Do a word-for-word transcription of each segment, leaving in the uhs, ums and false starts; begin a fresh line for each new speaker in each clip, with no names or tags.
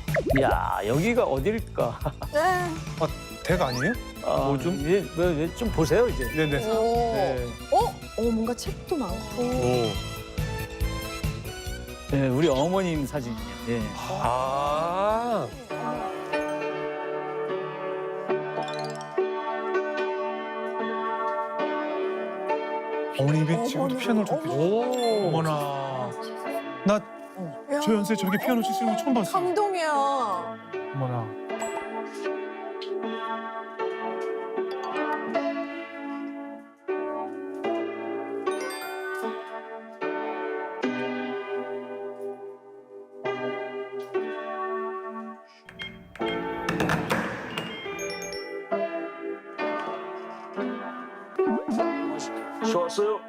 야, 여기가 어딜까?
네.
댁 아니에요?
아,
뭐 좀?
이제 뭐, 이제 좀 보세요 이제.
네네.
오.
네.
어? 어, 뭔가 책도 많고.
오.
네, 우리 어머님 사진이에요. 예.
아. 어머님이 지금도
어머나,
피아노를 좀
어머.
어머나. 나
야.
저 연세에 저렇게 피아노 치시는 거 처음 봤어.
감동이야.
어머나.
좋았어요?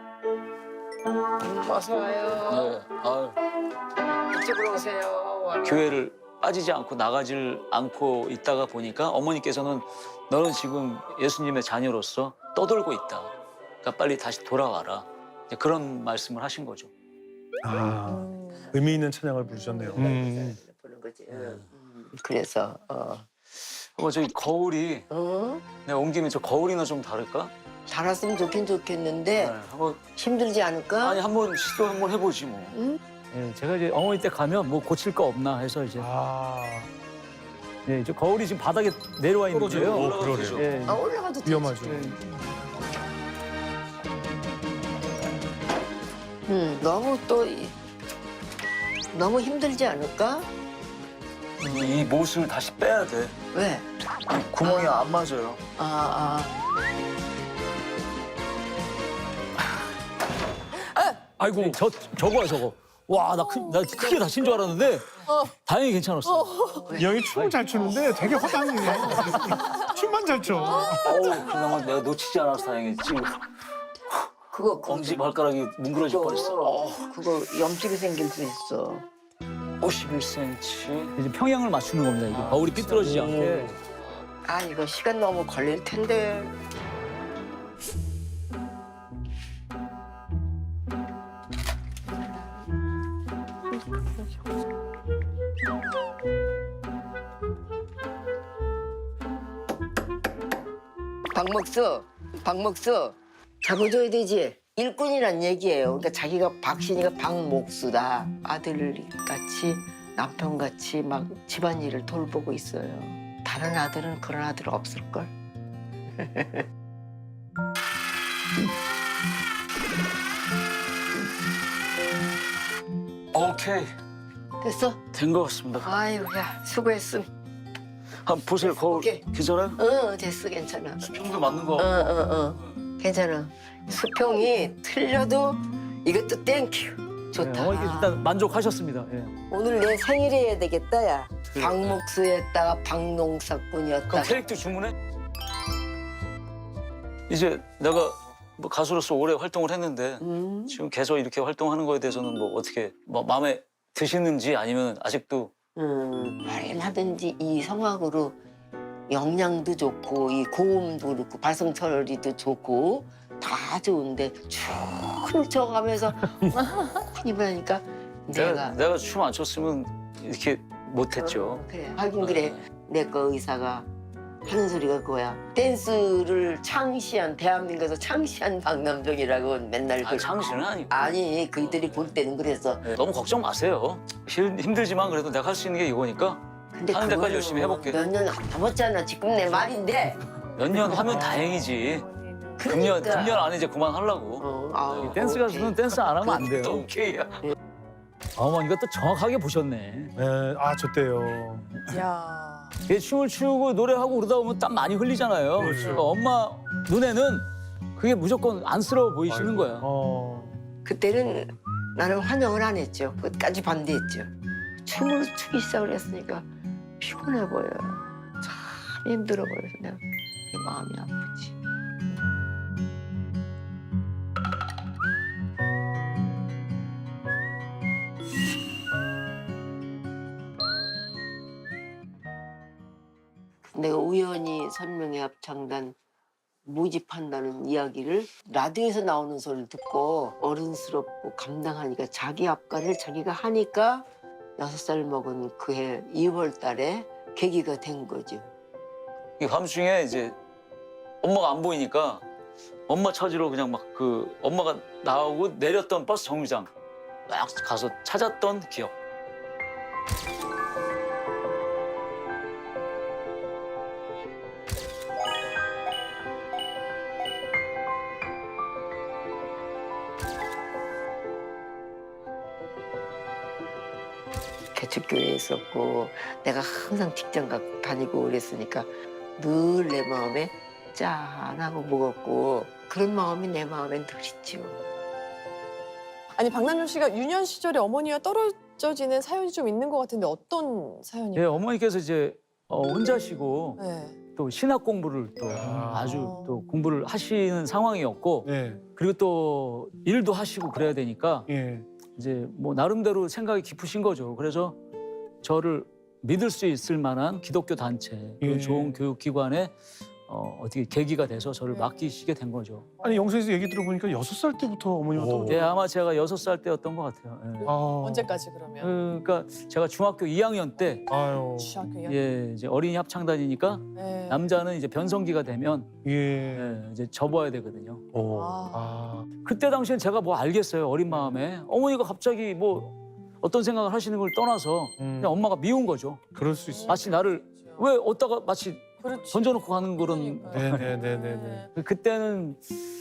어서 와요.
네. 아유,
이쪽으로 오세요.
교회를 빠지지 않고 나가질 않고 있다가 보니까 어머니께서는 너는 지금 예수님의 자녀로서 떠돌고 있다. 그러니까 빨리 다시 돌아와라. 이제 그런 말씀을 하신 거죠.
아.
음.
의미 있는 찬양을 부르셨네요. 음.
보는 거지. 응. 음, 그래서 어.
어, 저기 거울이
어?
내가 온 김에 저 거울이나 좀 다를까?
달았으면 좋긴 좋겠는데
네, 한번
힘들지 않을까?
아니 한번 시도 한번 해보지 뭐.
응?
예, 제가 이제 어머니 때 가면 뭐 고칠 거 없나 해서 이제
아.
예, 저 거울이 지금 바닥에 내려와
떨어져요.
있는데요.
오, 그러네요.
예,
아 올라가도 되지.
위험하죠.
예.
응. 너무 또 이- 너무 힘들지 않을까?
이 못을 다시 빼야 돼.
왜?
구멍이 안 맞아요.
아 아.
아이고 저 저거야 저거. 와 나 나 크게 다친 줄 알았는데 다행히 괜찮았어.
이 형이 춤을 잘 추는데 되게 허당이에요. 춤만 잘 춰.
어우 그나마 내가 놓치지 않아서 다행이지.
그거 그거
엄지 발가락이 뭉그러질 뻔했어.
어, 그거 염증이 생길 수 있어.
오십일 센티미터. 이제 평양을 맞추는 겁니다. 이게 거울이 삐뚤어지지 않게.
아 이거 시간 너무 걸릴 텐데. 박목수, 박목수 잡아줘야 되지. 일꾼이란 얘기예요. 그러니까 자기가 박신이가 박목수다. 아들같이 남편같이 막 집안일을 돌보고 있어요. 다른 아들은 그런 아들 없을걸?
오케이
됐어?
된 것 같습니다.
아유 야 수고했음.
한번 보세요 거울.
오케이.
괜찮아요?
어 됐어 괜찮아.
수평도 맞는 거.
어어 어. 괜찮아. 수평이 틀려도 이것도 땡큐. 좋다.
네, 어머니 일단 만족하셨습니다. 예.
오늘 내 생일이어야 되겠다 야.
그래.
박목수였다가 박농사꾼이었다가.
그럼 캐릭터 주문해? 이제 내가 뭐 가수로서 오래 활동을 했는데
음.
지금 계속 이렇게 활동하는 거에 대해서는 뭐 어떻게 뭐 마음에 드시는지 아니면 아직도
음. 얼마든지 이 성악으로 영양도 좋고 이 고음도 그렇고 발성 처리도 좋고 다 좋은데 쭉 훑어가면서 힘을 하니까
내가
내가
내가 춤 안 췄으면 이렇게 못했죠.
어, 그래 하긴 그래 내 거 의사가 하는 소리가 그거야. 댄스를 창시한 대한민국에서 창시한 박남정이라고 맨날
아,
그-
창시는 아니고.
아니 그들이 볼 때는 그래서
네, 너무 걱정 마세요. 힘, 힘들지만 그래도 내가 할 수 있는 게 이거니까
근데
하는 데까지
그거는
열심히 해볼게.
몇 년 안 남았잖아 지금 내 말인데
몇 년 하면 다행이지. 금년
그러니까.
금년 안에 이제 그만하려고.
어, 아우,
댄스
오케이.
가수는 댄스 안 하면 안 돼요.
그-
오케이야. 어머니가 또 정확하게 보셨네.
네, 아, 저 때요.
야.
이게 춤을 추고 노래하고 그러다 보면 땀 많이 흘리잖아요.
그렇죠.
그러니까 엄마 눈에는 그게 무조건 안쓰러워 보이시는 거야.
어.
그때는 나는 환영을 안 했죠. 끝까지 반대했죠. 춤을 추기 시작을 했으니까 피곤해 보여요. 참 힘들어 보여서 내가 그게 마음이 아프지. 내가 우연히 선명의 합창단 모집한다는 이야기를 라디오에서 나오는 소리를 듣고 어른스럽고 감당하니까 자기 앞가를 자기가 하니까 여섯 살 먹은 그해 이월 달에 계기가 된 거죠.
이 밤중에 이제 엄마가 안 보이니까 엄마 찾으러 그냥 막 그 엄마가 나오고 내렸던 버스 정류장 막 가서 찾았던 기억.
개척교회에 있었고 내가 항상 직장 가 다니고 그랬으니까 늘 내 마음에 짠하고 무겁고 그런 마음이 내 마음엔 늘 있죠.
아니 박남준 씨가 유년 시절에 어머니와 떨어져 지는 사연이 좀 있는 것 같은데 어떤 사연이에요?
예, 어머니께서 이제 어, 혼자시고
네.
또 신학 공부를 또
아.
아주 또 공부를 하시는 상황이었고
네.
그리고 또 일도 하시고 그래야 되니까
예.
이제 뭐 나름대로 생각이 깊으신 거죠. 그래서 저를 믿을 수 있을 만한 기독교 단체, 그
예.
좋은 교육기관에 어, 어떻게 계기가 돼서 저를
네.
맡기시게 된 거죠.
아니 영수에서 얘기 들어보니까 여섯 살 때부터 어머니가
오.
떨어져.
예, 아마 제가 여섯 살 때였던 것 같아요. 예.
아.
언제까지 그러면?
그러니까 제가 중학교 이 학년 때
아유.
중학교 이 학년.
예, 이제 어린이 합창단이니까
네.
남자는 이제 변성기가 되면
예.
예, 이제 접어야 되거든요.
오.
아.
아.
그때 당시엔 제가 뭐 알겠어요. 어린 마음에. 어머니가 갑자기 뭐 어떤 생각을 하시는 걸 떠나서
음.
그냥 엄마가 미운 거죠.
그럴 수 있어.
마치 나를 왜 어디다가 마치
그렇지.
던져놓고 가는 그런.
그러니까요.
네네네네네.
그때는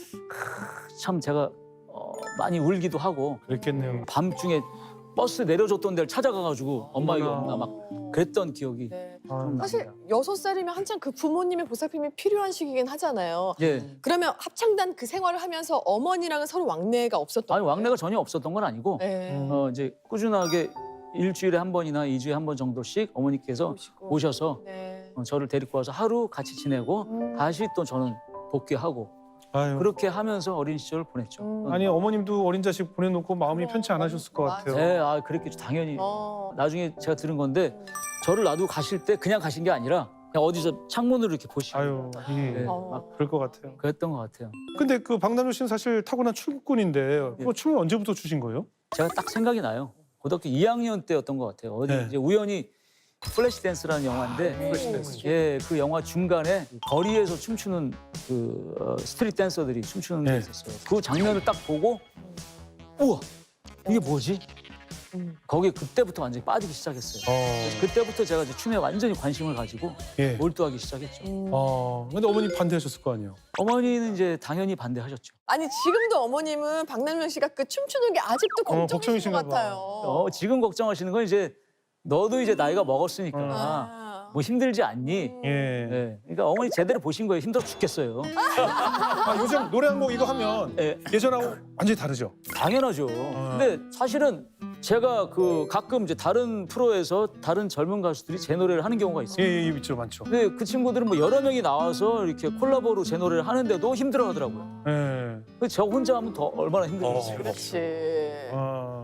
크, 참 제가 어, 많이 울기도 하고
그랬겠네요.
밤중에 버스 내려줬던 데를 찾아가가지고 엄마 이거
어머나.
없나 막 그랬던 기억이
네.
아.
좀
사실
납니다.
여섯 살이면 한창 그 부모님의 보살핌이 필요한 시기긴 하잖아요.
예.
그러면 합창단 그 생활을 하면서 어머니랑은 서로 왕래가 없었던
아니
거예요?
왕래가 전혀 없었던 건 아니고
네.
음.
어, 이제 꾸준하게 일주일에 한 번이나 이주에 한 번 정도씩 어머니께서
오시고.
오셔서
네.
어, 저를 데리고 와서 하루 같이 지내고
음.
다시 또 저는 복귀하고
아유.
그렇게 하면서 어린 시절을 보냈죠.
음.
아니 어머님도 어린 자식 보내놓고 마음이
어,
편치 않으셨을 것
맞아.
같아요.
네, 아 그랬겠죠. 당연히.
어.
나중에 제가 들은 건데 저를 놔두고 가실 때 그냥 가신 게 아니라 그냥 어디서 창문으로 이렇게 보시고
아유. 예.
네,
어.
막
그럴 것 같아요.
그랬던 것 같아요.
근데 그 박남준 씨는 사실 타고난 출국군인데
예.
그 춤을 언제부터 추신 거예요?
제가 딱 생각이 나요. 고등학교 이 학년 때였던 것 같아요. 어디
네.
이제 우연히 플래시 댄스라는 영화인데
플래시 댄스.
예, 그 영화 중간에 거리에서 춤추는 그 어, 스트릿 댄서들이 춤추는 게
네.
있었어요. 그 장면을 딱 보고 우와 이게 뭐지?
음.
거기에 그때부터 완전히 빠지기 시작했어요.
어.
그래서 그때부터 제가 이제 춤에 완전히 관심을 가지고
예.
몰두하기 시작했죠.
음.
어. 근데 어머니 반대하셨을 거 아니에요?
어머니는 이제 당연히 반대하셨죠.
아니 지금도 어머님은 박남준 씨가 그 춤추는 게 아직도
어,
걱정이신
걱정이신가
것
봐.
같아요.
어, 지금 걱정하시는 건 이제 너도 이제 나이가 먹었으니까
아.
뭐 힘들지 않니?
음.
예.
네. 그러니까 어머니 제대로 보신 거예요. 힘들어 죽겠어요.
아, 요즘 노래 한 곡 이거 하면
예,
예전하고 완전히 다르죠?
당연하죠. 근데 사실은 제가 그 가끔 이제 다른 프로에서 다른 젊은 가수들이 제 노래를 하는 경우가 있어요.
예, 예, 있죠, 많죠.
근데 그 친구들은 뭐 여러 명이 나와서 이렇게 콜라보로 제 노래를 하는데도 힘들어하더라고요.
예.
저 혼자 하면 더 얼마나 힘들겠어요.
그렇지.
아.